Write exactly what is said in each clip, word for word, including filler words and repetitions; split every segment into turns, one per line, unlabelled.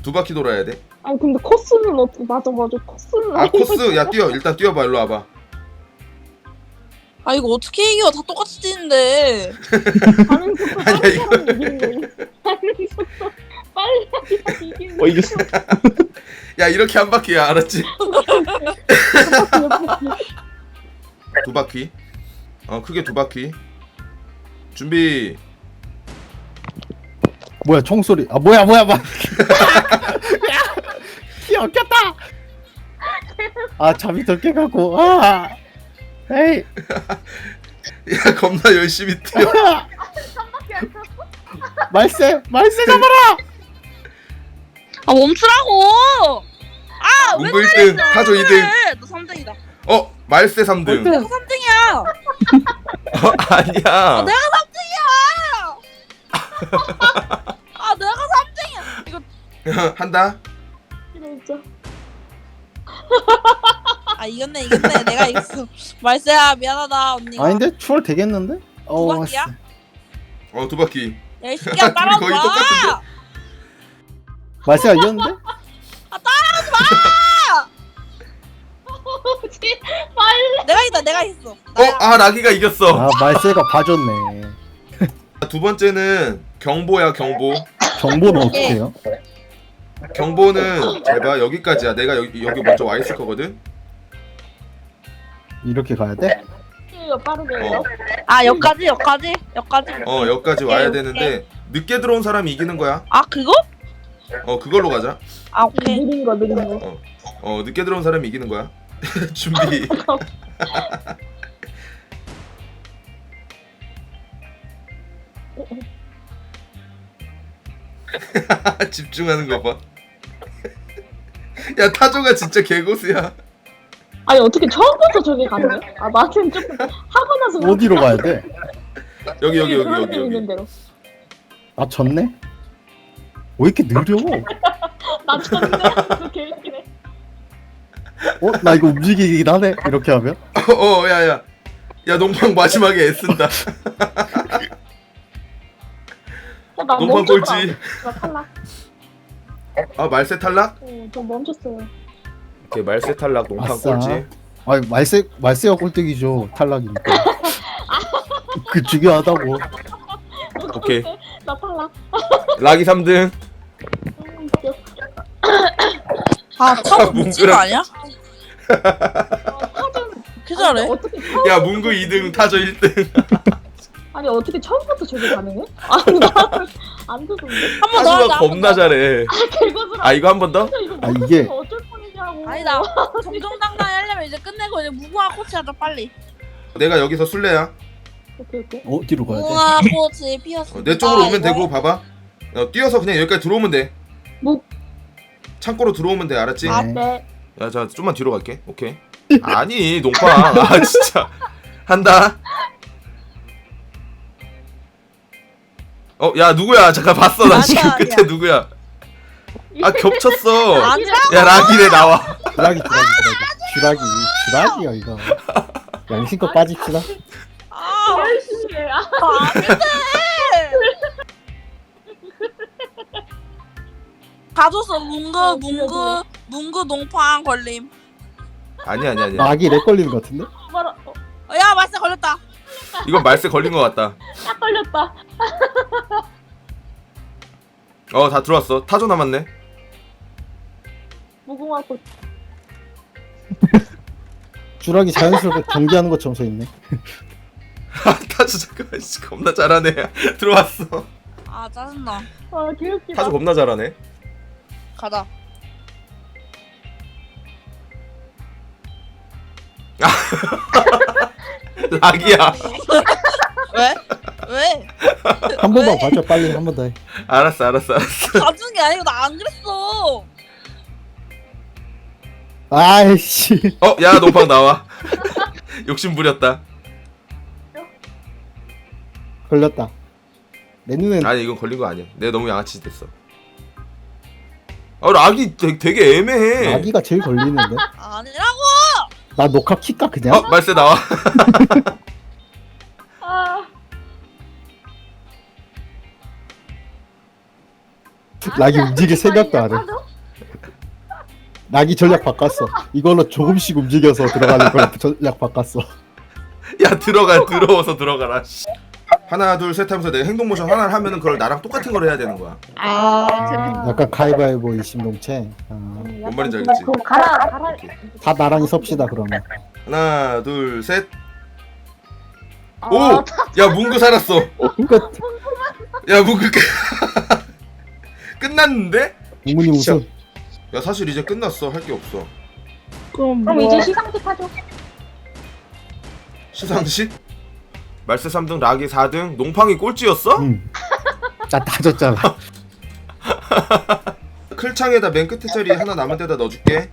두 바퀴 돌아야 돼.
아니 근데 코스는 어떻게 맞아 맞아 코스는
아 코스 야 뛰어 일단 뛰어봐 일로 와봐.
아 이거 어떻게 이겨? 다 똑같이 뛰는데.
가는 속도
아니야,
빠른
이거-
사람이 이기는 거야. 가는 속도 빨리 하면 이기는
어
거야.
이겼어.
야 이렇게 한 바퀴야 알았지? 두 바퀴. 어 크게 두 바퀴. 준비.
뭐야 총소리. 아 뭐야 뭐야 뭐야. 야, 꼈다. 아 잠이 덜 깨갖고. 아. 에이.
야 겁나 열심히 뛰어.
말세 말세 잡아라.
아 멈추라고. 아 왜?
문구 일 등 타조 이 등.
그래? 너 삼 등이다.
어 말세 삼 등.
등.
내가 삼 등이야.
어 아니야.
아, 내가 삼 등이야. 아 내가 삼 등이야. 이거
한다.
진짜.
아 이겼네 이겼네. 내가 이겼어. 말세야 미안하다 언니가.
아닌데 추월 되겠는데? 어.
바퀴야?
씨.
어 두 바퀴.
야 이 새끼야 따라와.
거의 똑같은데?
말세가 이겼는데?
뭐지? 빨리.
내가 이겼다 내가 이겼어.
어 아 라기가 이겼어.
아 말세가 봐줬네.
두 번째는 경보야 경보.
정보는 어떻게 해요?
경보는 제발 여기까지야. 내가 여기 여기 먼저 와 있을 거거든.
이렇게 가야 돼?
이거 빠르게
어.
해요.
아 여기까지 여기까지 여기까지.
어 여기까지 와야
오케이,
되는데 늦게 들어온 사람이 이기는 거야.
아 그거?
어 그걸로 가자.
아 오케이.
느린 거 느린 거.
어 늦게 들어온 사람이 이기는 거야. 준비. 집중하는 거 봐. 야 타조가 진짜 개고수야.
아니 어떻게 처음부터 저기 가능해? 아 나는 조금 하고 나서
어디로 가야 돼?
여기 여기 여기
그런
여기
데 있는
여기.
대로.
아 졌네? 왜 이렇게 느려?
나 쳤네. 그렇게 웃기네.
어? 나 이거 움직이긴 하네? 이렇게 하면?
어 야야. 야 농방 마지막에 애쓴다.
어, 나
농방
멈췄다.
꼴찌.
나 탈락.
아 말세 탈락?
어, 저 멈췄어요.
오케이 말세 탈락 농방
아싸.
꼴찌.
아니 말세 말세가 꼴등이죠. 탈락이니까. 그 중요하다고.
오케이.
나 탈락.
락이 삼 등.
음, 웃겨.
아 타고 미친 거
뭉그라.
아니야?
어, 사전
그 잘해?
어떻게 처음
야 문구 이 등 타조 일 등.
아니 어떻게 처음부터 저게 가능해? 아니 나안 되던데.
한 번 더
타조가
하자.
겁나 잘해.
개고수라.
아 이거 한 번 더?
이거
아,
멈췄으면
이게-
어쩔 뻔이냐고.
아니다. 정정당당히 하려면 이제 끝내고 이제 무궁화 꽃이 하자 빨리.
내가 여기서 술래야.
오케이 오케이.
어디로 가야 돼?
무궁화 꽃이 피었어.
어, 내 쪽으로 오면 되고 봐봐. 어, 뛰어서 그냥 여기까지 들어오면 돼.
뭐?
창고로 들어오면 돼 알았지?
아
네.
네.
야, 자 좀만 뒤로 갈게. 오케이. 아니, 농빵. 아, 진짜. 한다. 어, 야, 누구야? 잠깐 봤어. 나
아니야,
지금
아니야.
끝에 누구야? 아, 겹쳤어.
아니라.
야, 라기네 나와.
주라기 주라기 주라기. 주라기 주라기야 이거. 양심껏 빠집시다.
아
열심히 해. 아,
안돼. 가줬어 문구
어,
문구 문구 농팡 걸림.
아니, 아니, 아니.
낙이 렉 걸리는 것 같은데?
뭐라? 어,
어, 야 말세 걸렸다.
이건 말세 걸린 것 같다.
딱 걸렸다.
어, 다 들어왔어. 타조 남았네.
무궁화 꽃.
주라기 자연스럽게 경기하는 것처럼 서 있네.
아, 타조 잠깐만. 씨, 겁나 잘하네. 들어왔어.
아 짜증나.
아 귀엽기다.
타조 겁나 잘하네.
가자.
락이야.
왜? 왜?
한 번만 봐줘 빨리 한 번 더 해.
알았어, 알았어, 알았어.
가준 게 아니고 나 안 그랬어.
아이씨.
어, 야, 농빵 나와. 욕심 부렸다.
걸렸다. 내 눈엔
아니 이건 걸린 거 아니야. 내가 너무 양아치 됐어. 아 락이 되게, 되게 애매해.
낙이가 제일 걸리는데.
아니라고.
나 녹화 킬까 그냥?
어 말세 나와.
아
락이 움직일 생각도 안 해. 락이 전략 바꿨어. 이걸로 조금씩 움직여서 들어가는 걸 전략 바꿨어.
야 들어가 들어와서 들어가라. 씨. 하나 둘 셋 하면서 내 행동 모션 하나를 하면은 그걸 나랑 똑같은 걸 해야 되는 거야.
아 재밌다.
약간 가위바위보 일심동체. 아,
뭔 말인지 알겠지?
그럼 가라 가라.
다 나란히 섭시다 그러면.
하나 둘 셋.
아,
오! 야 문구 살았어.
끝.
야 문구 끝. 끝났는데?
부모님 우승.
야 사실 이제 끝났어. 할 게 없어.
그럼
그럼
뭐
이제 시상식 하죠.
시상식? 말세 삼 등, 락이 사 등, 농팡이 꼴찌였어?
응. 나다 졌잖아.
클창에다 맨 끝에 자리 하나 남은 데다 넣어줄게.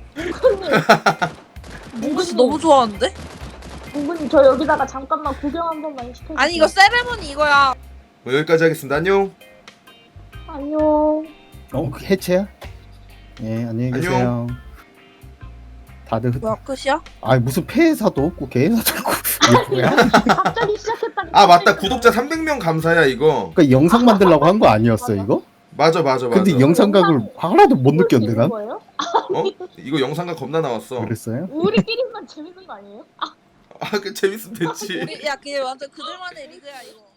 몽글씨 너무 좋아하는데?
공부님 저 여기다가 잠깐만 구경 한 번만 시켜주세요.
아니 이거 세레머니 이거야.
뭐 여기까지 하겠습니다. 안녕.
안녕.
어, 그 해체야? 예, 안녕히 계세요. 다들 흩...
뭐야 끝이야?
아 무슨 폐회사도 없고 개회사도 없고 이게 뭐야?
갑자기 시작했다니.
아 맞다. 구독자 삼백 명 감사야 이거.
그러니까 영상 만들려고 한 거 아니었어 이거?
맞아 맞아 맞아.
근데 영상각을 하나도 못 느꼈는데 난?
거예요?
어? 이거 영상각 겁나 나왔어.
그랬어요?
우리끼리만 재밌는 거 아니에요?
아 그 재밌으면 됐지.
우리 야 그게 완전 그들만의 리그야 이거.